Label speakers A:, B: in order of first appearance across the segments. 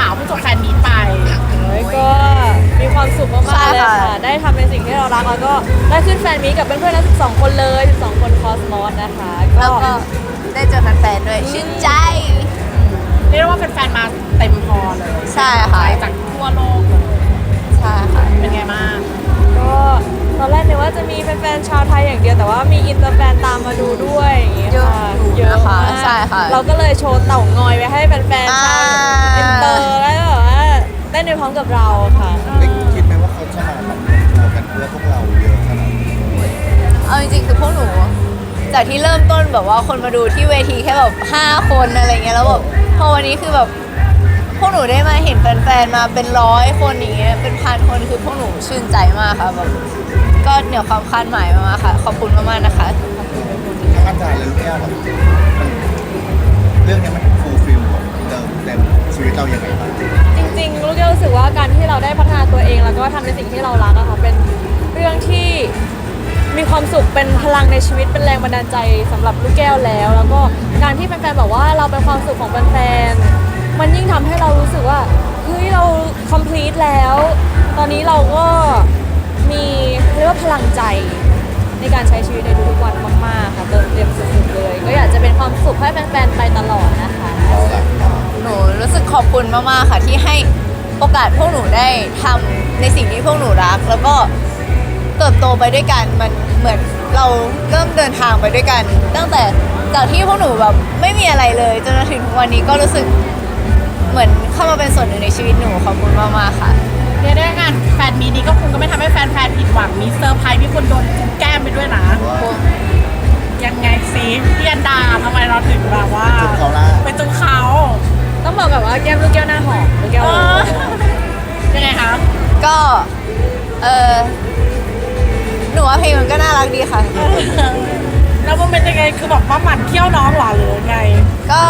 A: เพิ่งจบแฟนมีตไป
B: ก็มีความสุขมากๆเลยค่ะได้ทำในสิ่งที่เรารักแล้วก็ได้ขึ้นแฟนมีตกับเพื่อนๆทั้ง12 คนเลย12 คนคอสมอสนะคะ
C: แล้วก็ได้เจอแฟนๆด้วยชื่นใจ
A: เรียกว่าแฟนๆมาเต็มพอเลย
C: ใช่ค่ะ
A: จากทั่วโลกเลย
C: ใช่ค่ะ
A: เป็นไงบ้าง
B: ก็ตอนแรกนึกว่าจะมีแฟนๆชาวไทยอย่างเดียวแต่ว่ามีอินเตอร์แฟนตามมาดูด้วยอย่างเงี้ยค่ะ
C: เยอะค่ะใช่ค่ะ
B: เราก็เลยโชว์เต่างอยไว้ให้แฟนๆชาวอินเตอร์แล้วแบบว่าเต้นไปพร้อมกับเราค่ะ
D: คิดไหมว่าเขาจะมาแบบเอากันเพื่อพวกเราเยอะขนาดนี้
C: เอาจริงๆคือพวกหนูจากที่เริ่มต้นแบบว่าคนมาดูที่เวทีแค่แบบ5 คนอะไรเงี้ยแล้วแบบพอวันนี้คือแบบพวกหนูได้มาเห็นแฟนๆมาเป็น100 คนอย่างเงี้ยเป็น1,000 คนคือพวกหนูชื่นใจมากค่ะแบบก็เหนือความคาดหมายมากๆค่ะขอบคุณมากๆนะคะ
D: ทั้งอาจารย์และลูกแก้วแบบเรื่องนี้มันฟูลฟิลแบบเต็มชีวิตเราอย่างไรบ้าง
B: จริงๆลูกแก้วรู้สึกว่าการที่เราได้พัฒนาตัวเองแล้วก็ทำในสิ่งที่เรารักอะค่ะเป็นเรื่องที่มีความสุขเป็นพลังในชีวิตเป็นแรงบันดาลใจสำหรับลูกแก้วแล้วก็การที่แฟนๆบอกว่าเราเป็นความสุขของแฟนๆมันยิ่งทำให้เรารู้สึกว่าเฮ้ยเรา complete แล้วตอนนี้เราก็มีเรียกว่าพลังใจในการใช้ชีวิตในทุกๆวันมากๆค่ะเติมเต็มสุดๆเลยก็อยากจะเป็นความสุขให้แฟนๆไปตลอดนะคะ
C: หนูรู้สึกขอบคุณมากๆค่ะที่ให้โอกาสพวกหนูได้ทำในสิ่งที่พวกหนูรักแล้วก็เติบโตไปด้วยกันมันเหมือนเราเริ่มเดินทางไปด้วยกันตั้งแต่จากที่พวกหนูแบบไม่มีอะไรเลยจนถึงวันนี้ก็รู้สึกเหมือนเข้ามาเป็นส่วนหนึ่งในชีวิตหนูขอบคุณมากๆค่ะ
A: เรียกได้งานแฟนมีนี้ก็คงก็ไม่ทำให้แฟนๆผิดหวังมีเซอร์ไพรส์มีคนโดนจุ๊บแก้มไปด้วยนะยังไงซิพี่อันดาทำไมเราถึงแบบว่าไปจุ๊บเขา
B: ต้องบอกแบบว่าแก้มลูกแก้วหน้าหอมลูกแก้ว
A: ยังไงคะ
C: ก็หนูว่าเพลงมันก็น่ารักดีค่ะ
A: แล้วมันเป็นยังไงคือแบบว่าหมั่นเขี้ยวน้องหรอหรือไง
C: ก็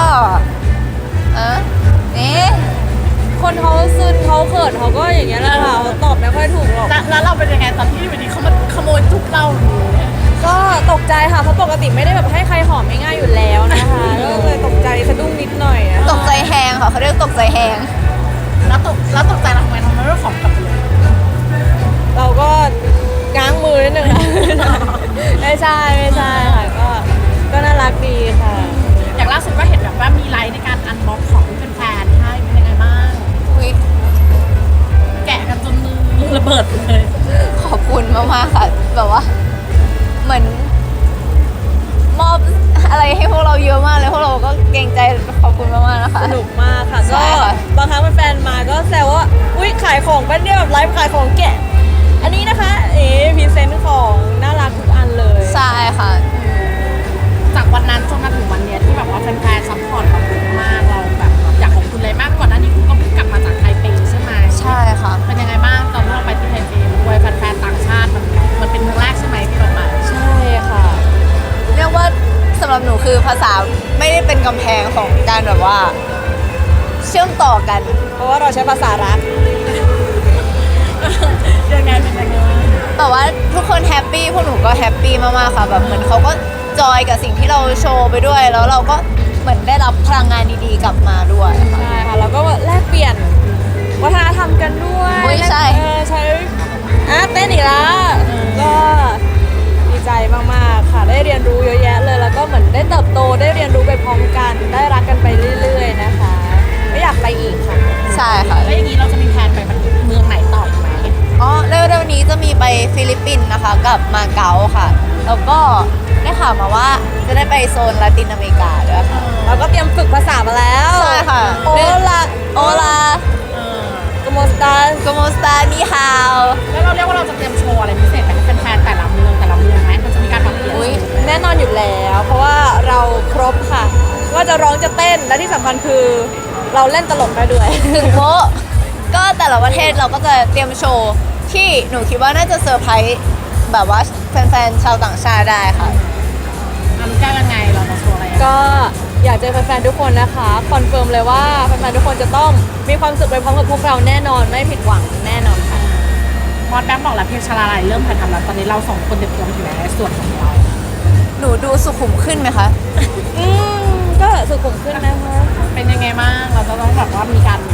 C: นี่
B: คนเขาซึนเขาเขินเขาก็อย่างเงี้ยแหละค่ะเขาตอบไม่ค่อยถูกหรอก
A: แล้วเราเป็นยังไงตอนที่วันนี้เขามาขโมยจุ๊บเรา
B: ก็ตกใจค่ะเพราะปกติไม่ได้แบบให้ใครหอมง่ายๆอยู่แล้วนะคะก็เลยตกใจสะดุ้งนิดหน่อย
C: ตกใจแหงค่ะเขาเรียกตกใจแหง
A: แล้วตกใจเราทำไมไม่ขอบกลับเลย
B: เราก็ง้างมือนิดนึงนะไม่ใช่ค่ะก็น่ารักดีค่ะ
A: อย่างล่าสุดก็เห็นแบบว่ามีไลฟ์ในการอันบ็อกของแฟนๆให้เป็นยังไงบ้างแกะกันจนมือระเบิดเลย
C: ขอบคุณมากๆค่ะแบบว่าเหมือนมอบอะไรให้พวกเราเยอะมากเลยพวกเราก็เกรงใจขอบคุณมากๆนะคะ
B: สนุกมากค่ะก็บางครั้งแฟนมาก็แซวว่าอุ้ยขายของเป็นเนี่ยแบบไลฟ์ขายของแกะอันนี้นะคะพรีเซนต์ของน่ารักทุกอันเลย
C: ใช่ค่ะ
A: จากวันนั้นจนมาถึงวันนี้ที่แบบว่าแฟนๆซัพพอร์ตเราเยอะมากเราแบบอยากขอบคุณเลยมากกว่านั้นนี่คุณก็เพิ่งกลับมาจากไทเปใช่ไหม
C: ใช่ค่ะ
A: เป็นยังไงบ้างตอนที่เราไปที่ไทเปด้วยแฟนๆต่างชาติมันเป็นครั้งแรกใช่ไหมที่เราไป
B: ใช่ค่ะ
C: เรียกว่าสำหรับหนูคือภาษาไม่ได้เป็นกำแพงของการแบบว่าเชื่อมต่อกัน
B: เพราะว่าเราใช้ภาษารัก
A: ยังไงเป็นยังไง
C: แต่ว่าทุกคนแฮปปี้พวกหนูก็แฮปปี้มากๆค่ะแบบเหมือนเขาก็จอยกับสิ่งที่เราโชว์ไปด้วยแล้วเราก็เหมือนได้รับพลังงานดีๆกลับมาด้วย
B: ใช่ค่ะแล้วก็แลกเปลี่ยนวัฒนธรรมกันด้วย
C: ใช่
B: ใช้เต้นอีกแล้วก็ดีใจมากๆค่ะได้เรียนรู้เยอะแยะเลยแล้วก็เหมือนได้เติบโตได้เรียนรู้ไปพร้อมกันได้รักกันไปเรื่อยๆนะคะไม่อยากไปอีกค่ะ
C: ใช่ค่ะ
A: แล้วอย่างนี้เราจะมีแผนไปเมืองไหนต่ออีกไหม
C: เร็วๆนี้จะมีไปฟิลิปปินส์นะคะกับมาเก๊าค่ะแล้วก็ได้ข่าวมาว่าจะได้ไปโซนลาตินอเมริกาด้วยค่ะ
B: เราก็เตรียมฝึกภาษามาแล้ว
C: ใช่ค่ะ
B: โอลาโกโมสตา
C: นี่ฮาว
A: แล้วเราเรียกว่าเราจะเตรียมโชว์อะไรพิเศษไปให้แฟนๆแต่ละเมืองไหมมันจะมีการปรับเปลี่ยน
B: แน่นอนอยู่แล้วเพราะว่าเราครบค่ะว่าจะร้องจะเต้นและที่สำคัญคือเราเล่นตลกได้ด้วย
C: ถึงโมก็แต่ละประเทศเราก็จะเตรียมโชว์ที่หนูคิดว่าน่าจะเซอร์ไพรส์แบบว่าแฟนๆชาวต่างชาติได้ค่ะ
A: รู้แก้ยังไงเราจะโชว์อะไร
B: ก็อยากเจอแฟนๆทุกคนนะคะคอนเฟิร์มเลยว่าแฟนๆทุกคนจะต้องมีความสุขไปพร้อมกับพวกเราแน่นอนไม่ผิดหวังแน่นอนค่ะ
A: มอสแบงค์บอกแล้วเพลงชาลาลัยเริ่มถ่ายทำแล้วตอนนี้เราสองคนเตรียมตัวถึงในส่วนของเรา
C: หนูดูสุขุมขึ้นไหมคะ
B: ก็สุขุมขึ้นนะคะ
A: เป็นยังไงบ้างเราจะต้องแบบว่ามีการแบบพัฒนา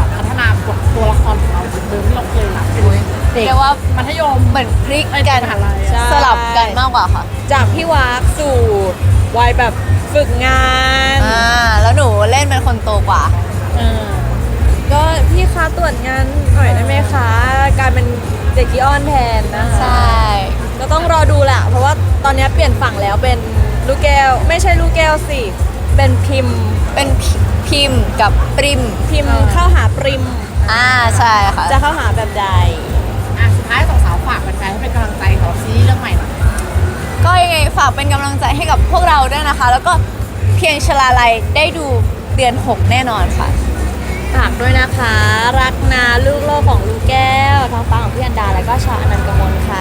A: ามบทตัวละครของเราจากเดิมที่เราเคยรับเป็นเด็ก
C: เรียกว่า
A: มัธยม
C: เหมือนพลิก
A: เอ้ย
C: กัน
A: มหาลัย
B: ใช่
C: สลับกันมากกว่าค่ะ
B: จากพี่วากสู่วัยแบบฝึกงาน
C: แล้วหนูเล่นเป็นคนโตกว่า
A: เออ
B: ก็พี่คะตรวจงานหน่อยได้ไหมคะกลายเป็นเด็กกีออนแทนนะคะ
C: ใช่
B: ก็ต้องรอดูแหละเพราะว่าตอนนี้เปลี่ยนฝั่งแล้วเป็นลูกแก้ว ไม่ใช่ลูกแก้วสิ เป็นพิมพ์
C: เป็นพิมพ์กับปริม
B: พิมพ์เข้าหาปริม
C: ใช่ค่ะ
B: จะเข้าหาแบบใด
A: อ่ะสุดท้ายสองสาวฝากแฟนๆให้เป็นกำลังใจของซีรีส์เรื่องใหม่หน่อย
C: ก็ยังไงฝากเป็นกำลังใจให้กับพวกเราด้วยนะคะ แล้วก็เพียงชลาลัยได้ดูเดือน 6 แน่นอนค่ะ
B: ฝากด้วยนะคะ รักนาลูกโลกของลูกแก้วทางฝั่งของพี่อันดา แล้วก็ชาวอนันต์กมลค่ะ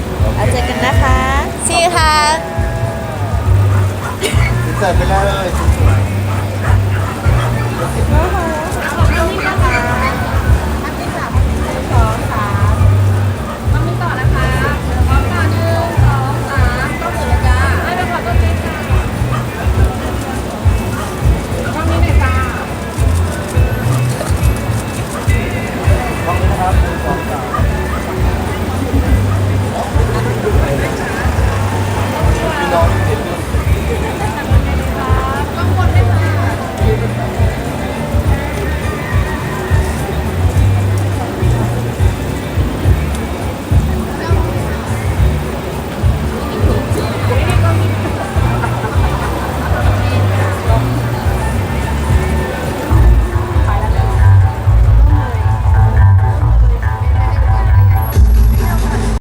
B: แล้วเจอกันนะคะ
C: See you ค่ะ
D: เสิร์ฟไปเลย